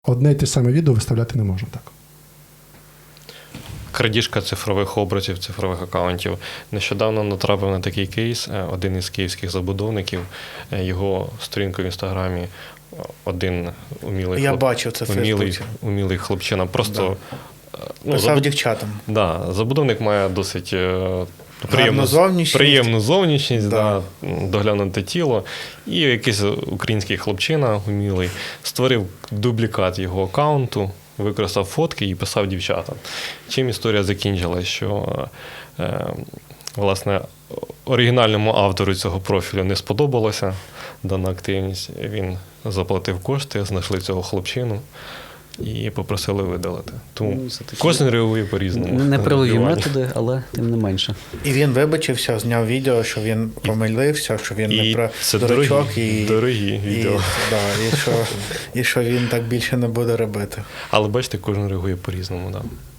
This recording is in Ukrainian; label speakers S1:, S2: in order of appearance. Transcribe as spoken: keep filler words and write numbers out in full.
S1: Одне й те саме відео виставляти не можна так.
S2: Крадіжка цифрових образів, цифрових акаунтів. Нещодавно натрапив на такий кейс. Один із київських забудовників, його сторінку в Інстаграмі, один умілий,
S3: Я
S2: хлоп...
S3: бачив це в
S2: умілий,
S3: Фейсбуці.
S2: умілий хлопчина. Просто ну,
S3: Писав
S2: забуд...
S3: дівчатам.
S2: да, забудовник має досить е, приємну
S3: зовнішність.
S2: приємну зовнішність,
S3: Да.
S2: да, доглянуте тіло. І якийсь український хлопчина умілий створив дублікат його акаунту, використав фотки і писав дівчатам. Чим історія закінчилась, що е, власне оригінальному автору цього профілю не сподобалося дана активність. Він заплатив кошти, знайшли цього хлопчину і попросили видалити. Тому
S4: Ну, це такі
S2: кожен реагує по-різному.
S4: неправові
S2: Реагування.
S4: методи, але тим не менше.
S3: І він вибачився, зняв відео, що він помилився, що він
S2: І
S3: не про
S2: це
S3: дурачок.
S2: дорогі,
S3: І,
S2: дорогі
S3: і,
S2: відео.
S3: да, і, що, і що він так більше не буде робити.
S2: Але бачите, кожен реагує по-різному. Да.